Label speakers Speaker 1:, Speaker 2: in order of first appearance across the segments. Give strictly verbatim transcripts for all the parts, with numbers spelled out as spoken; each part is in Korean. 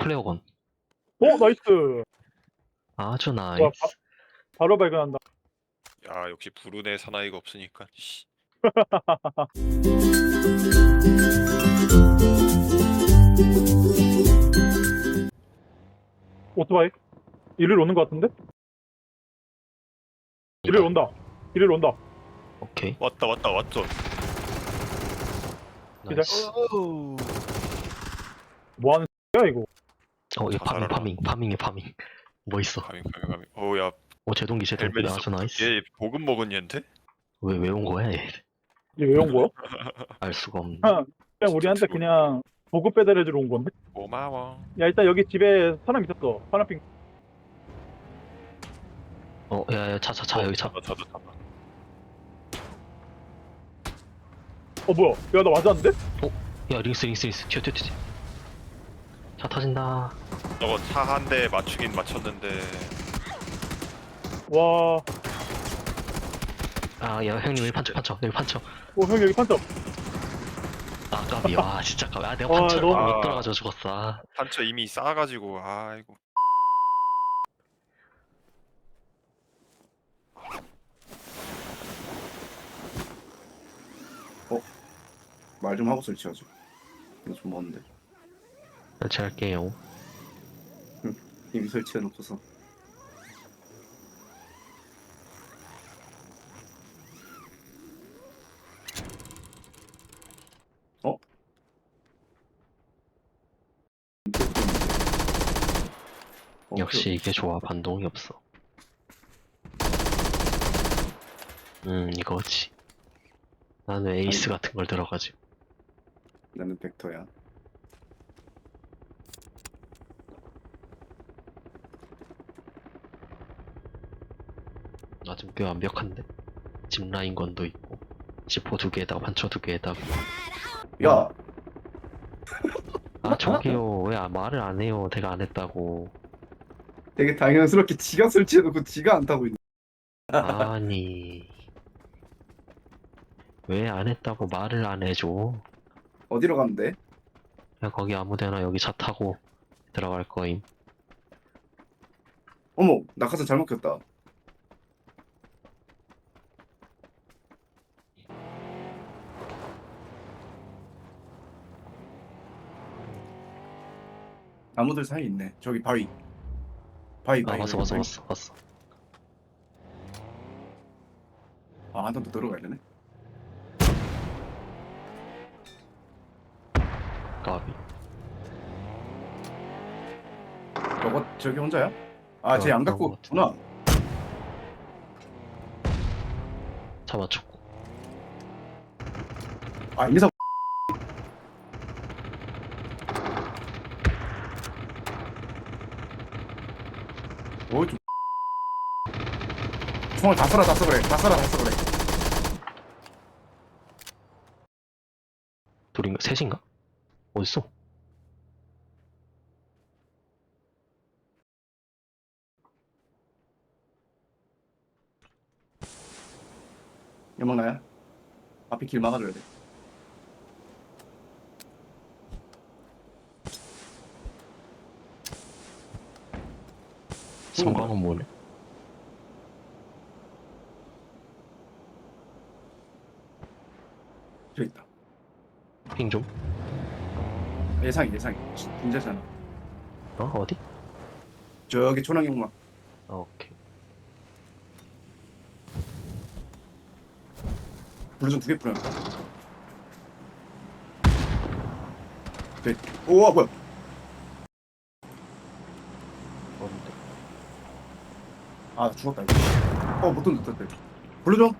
Speaker 1: 플레어건.
Speaker 2: 어 나이스.
Speaker 1: 아주
Speaker 2: 와,
Speaker 1: 나이스.
Speaker 2: 바, 바로 발견한다.
Speaker 3: 야 역시 불운의 사나이가 없으니까. 씨.
Speaker 2: 오토바이 이리로 오는 것 같은데? 이리로 온다. 이리로 온다.
Speaker 1: 오케이.
Speaker 3: 왔다 왔다 왔죠.
Speaker 1: 나이스.
Speaker 3: 어우.
Speaker 2: 뭐 하는 야 이거?
Speaker 1: 어, 이거 파밍,
Speaker 3: 자살하라.
Speaker 1: 파밍, 파밍이 파밍. 뭐 있어?
Speaker 3: 가밍 가밍 가밍. 어야
Speaker 1: 어, 제동기, 제동기.
Speaker 3: 헬멧
Speaker 1: 아주
Speaker 3: 있어.
Speaker 1: 나이스.
Speaker 3: 얘 보급 먹은 얘인데?
Speaker 1: 왜, 왜 온 거야, 얘?
Speaker 2: 이게 왜 온 거야?
Speaker 1: 알 수가 없네.
Speaker 2: 그냥, 그냥
Speaker 3: 진짜
Speaker 2: 우리한테
Speaker 3: 죽었네.
Speaker 2: 그냥 보급 배달해주러 온 건데?
Speaker 3: 고마워.
Speaker 2: 야 일단 여기 집에 사람 있었어. 파란핑.
Speaker 1: 어, 야, 야, 차, 차, 차, 여기 차.
Speaker 3: 잡아 잡아 잡아.
Speaker 2: 어 뭐야? 야 나 맞았는데?
Speaker 1: 야, 링스, 링스, 링스. 튀어, 튀어, 튀어. 차 터진다.
Speaker 3: 저거 차 한 대 맞추긴 맞췄는데.
Speaker 2: 와.
Speaker 1: 아, 야, 형님, 여기 판쳐, 판쳐. 여기 판쳐.
Speaker 2: 어 형 여기 판점.
Speaker 1: 아, 까비. 와, 진짜 까비. 아, 내가
Speaker 2: 와,
Speaker 1: 판쳐를
Speaker 2: 너무-
Speaker 1: 못 들어가지고 죽었어. 아.
Speaker 3: 판처 이미 쌓아가지고 아이고.
Speaker 4: 말 좀 하고 설치하죠. 이거 좀 먼데.
Speaker 1: 설치할게요.
Speaker 4: 이미 설치해놓고서. 어? 어,
Speaker 1: 역시 이게 좋아. 반동이 없어. 음, 이거지. 나는 에이스
Speaker 4: 아니.
Speaker 1: 같은 걸 들어가지고.
Speaker 4: 나는 벡터야.
Speaker 1: 나 좀 꽤 완벽한데? 짚라인 건도 있고. 지포 두 개에다가 판처 두 개에다가.
Speaker 4: 야,
Speaker 1: 아, 저기요. 왜 아- 말을 안 해요? 내가 안 했다고.
Speaker 4: 되게 당연스럽게 지가 설치해놓고 지가 안 타고 있네.
Speaker 1: 아니. 왜 안 했다고 말을 안 해줘?
Speaker 4: 어디로 가면 돼?
Speaker 1: 그냥 거기 아무데나 여기 차 타고 들어갈 거임.
Speaker 4: 어머, 낙하산 잘못 켰다. 나무들 사이 있네. 저기 바위. 바위,
Speaker 1: 아,
Speaker 4: 바위.
Speaker 1: 왔어,
Speaker 4: 바위,
Speaker 1: 왔어,
Speaker 4: 바위.
Speaker 1: 왔어, 왔어.
Speaker 4: 아, 한 번 더 들어가야 되네.
Speaker 1: 까비.
Speaker 4: 저거 저기 혼자야? 아,
Speaker 1: 어,
Speaker 4: 쟤 안
Speaker 1: 그런
Speaker 4: 갖고
Speaker 1: 것 같아.
Speaker 4: 왔구나.
Speaker 1: 차 맞췄고.
Speaker 4: 아, 인사. 오, 좀. 총알 다 쏴라, 다 쏴 그래. 다 쏴라, 다 쏴 그래.
Speaker 1: 둘인가? 셋인가? 어딨어?
Speaker 4: 연막 나야? 앞에 길 막아줘야 돼.
Speaker 1: 성광은 뭐네?
Speaker 4: 저기 있다.
Speaker 1: 핑 좀?
Speaker 4: 예상이, 예상이. 진짜잖아.
Speaker 1: 어? 어디?
Speaker 4: 저기 초랑 연막.
Speaker 1: 아, 오케이.
Speaker 4: 블루전 두개 뿌렸다. 네. 우와, 뭐야?
Speaker 1: 어딘데?
Speaker 4: 아, 나 죽었다, 이거. 어, 못 던졌다, 던졌다. 블루전?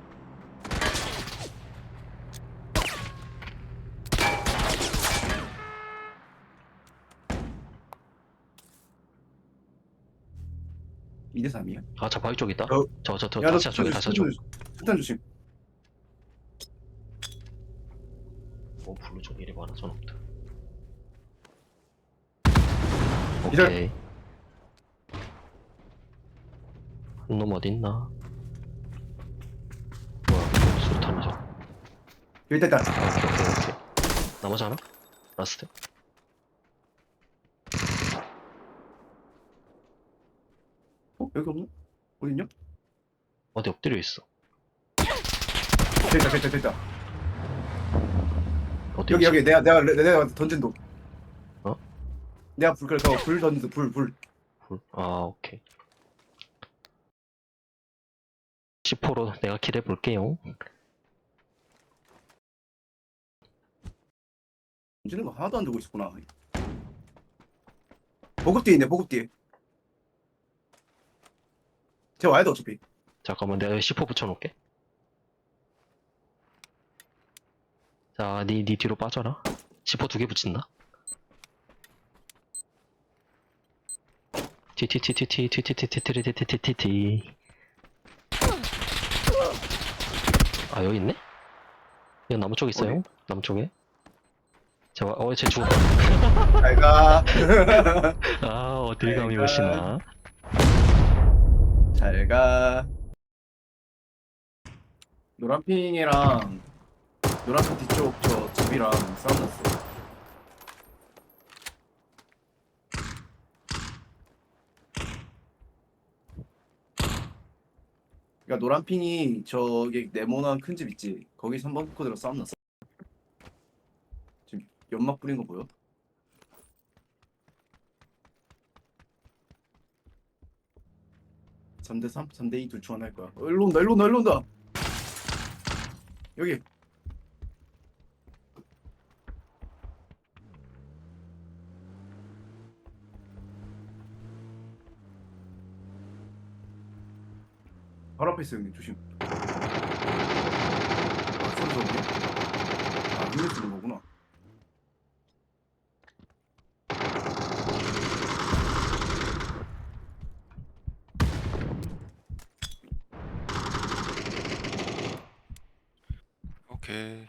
Speaker 4: 이 대 삼이야?
Speaker 1: 아, 저 바위 쪽 있다?
Speaker 4: 어.
Speaker 1: 저, 저, 저,
Speaker 4: 야, 너
Speaker 1: 다시야 쪽에, 다시야 쪽.
Speaker 4: 일단 조심.
Speaker 1: 어, 블루 쪽 일이 많아, 저놈들.
Speaker 4: 기절.
Speaker 1: 오케이. 한 놈 어딨나? 뭐야, 수류탄이죠. 아,
Speaker 4: 여기 있다, 있다.
Speaker 1: 오케이, 오케이, 오케이. 나머지 하나? 라스트?
Speaker 4: 여기 없나? 어딨냐?
Speaker 1: 어디 엎드려 있어.
Speaker 4: 됐다 됐다 됐다.
Speaker 1: 어디
Speaker 4: 여기
Speaker 1: 있어?
Speaker 4: 여기 내가 내가 내가 던진 도.
Speaker 1: 어?
Speaker 4: 내가 불 그래서 불 던진 불 불.
Speaker 1: 불. 아, 오케이. 시포로 내가 킬해 볼게요.
Speaker 4: 던지는 거 하나도 안 들고 있었구나. 보급 뒤에 있네 보급 뒤에. 쟤 와야 돼 어차피.
Speaker 1: 잠깐만, 내가 시포 붙여놓을게. 자, 니, 니 뒤로 빠져라. 시포 두 개 붙인다. 티티티티티티티티티티티티티티. 아, 여기 있네? 여기 나무 쪽에 있어요? 나무 쪽에? 자, 어, 쟤 죽었다.
Speaker 4: 잘 가.
Speaker 1: 아, 어딜 감이
Speaker 4: 아이고.
Speaker 1: 오시나.
Speaker 4: 잘 가. 노란핑이랑 노란핑 뒤쪽 저 집이랑 싸움 났어. 그러니까 노란핑이 저기 네모난 큰 집 있지. 거기 삼 번 코드로 싸움 났어. 지금 연막 뿌린 거 보여? 삼 대 삼? 삼 대 이 둘 중 하나 할 거야. 어, 일로 온다, 일로 온다, 일로 온다. 여기. 바로 앞에 있어 형님 조심. 아 소리 좋네. 아 눈에 쓰는 거구나.
Speaker 3: 오케이.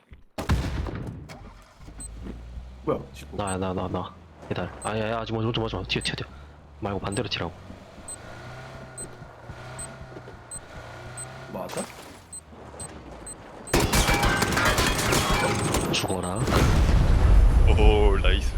Speaker 4: 뭐야? 지금
Speaker 1: 나, 나, 나, 나. 기다려. 아, 야, 야, 아직 먼저, 먼저, 먼저. 튀어, 튀어, 튀어. 말고 반대로 튀라고.
Speaker 4: 맞아?
Speaker 1: 죽어라.
Speaker 3: 오 나이스.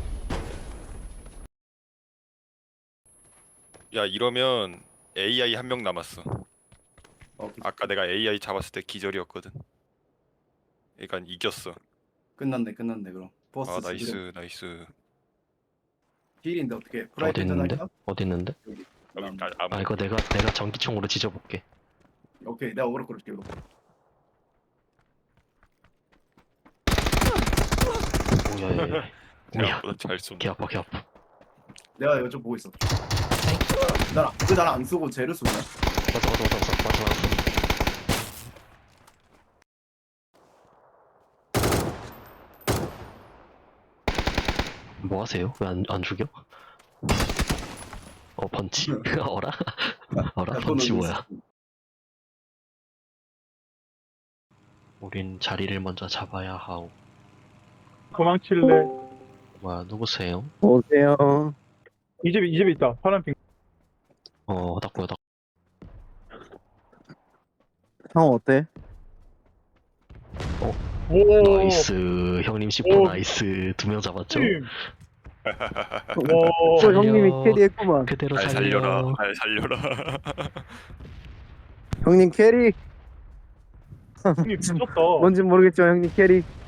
Speaker 3: 야 이러면 에이아이 한 명 남았어.
Speaker 4: 어,
Speaker 3: 아까 내가 에이아이 잡았을 때 기절이었거든. 그러니까 이겼어.
Speaker 4: 끝났네, 끝났네 그럼. 버스
Speaker 3: 아 나이스 나이스.
Speaker 4: 힐인데 어떻게?
Speaker 1: 어디
Speaker 4: 프라이팬
Speaker 1: 있는데?
Speaker 4: 할까?
Speaker 1: 어디 있는데?
Speaker 4: 여기.
Speaker 3: 아,
Speaker 4: 남.
Speaker 3: 아, 아,
Speaker 1: 아, 이거 내가, 내가 전기총으로 지져볼게.
Speaker 4: 오케이, 내가 오래 끌을게 이거.
Speaker 1: 오야, 야, 야. 오야.
Speaker 3: 생각보다 잘 쏜다.
Speaker 1: 개 아파, 개 아파.
Speaker 4: 내가 이거 좀 보고 있어. 난, 왜 나는 안 쓰고 쟤를 쏘냐?
Speaker 1: 맞아, 맞아, 맞아, 맞아, 맞아, 맞아. 뭐 하세요? 왜 안, 안 죽여? 어, 펀치? 어라? 어라?
Speaker 4: 야,
Speaker 1: 펀치
Speaker 4: 그거는
Speaker 1: 뭐야? 우린 자리를 먼저 잡아야 하오.
Speaker 2: 도망칠래?
Speaker 1: 뭐야, 누구세요?
Speaker 5: 오세요.
Speaker 2: 이 집에 이 집에 있다. 파란핑.
Speaker 1: 어, 닦고요, 닦고.
Speaker 5: 형 어때?
Speaker 2: 오.
Speaker 1: 나이스. 형님 십 퍼
Speaker 2: 오.
Speaker 1: 나이스. 두 명 잡았죠?
Speaker 2: 팀.
Speaker 5: 또
Speaker 2: 와.
Speaker 1: 살려.
Speaker 5: 형님이 캐리했구만.
Speaker 1: 그대로
Speaker 3: 잘
Speaker 1: 살려.
Speaker 3: 살려라. 잘 살려라.
Speaker 5: 형님 캐리.
Speaker 2: 형님 미쳤다.
Speaker 5: 뭔진 모르겠지만 형님 캐리.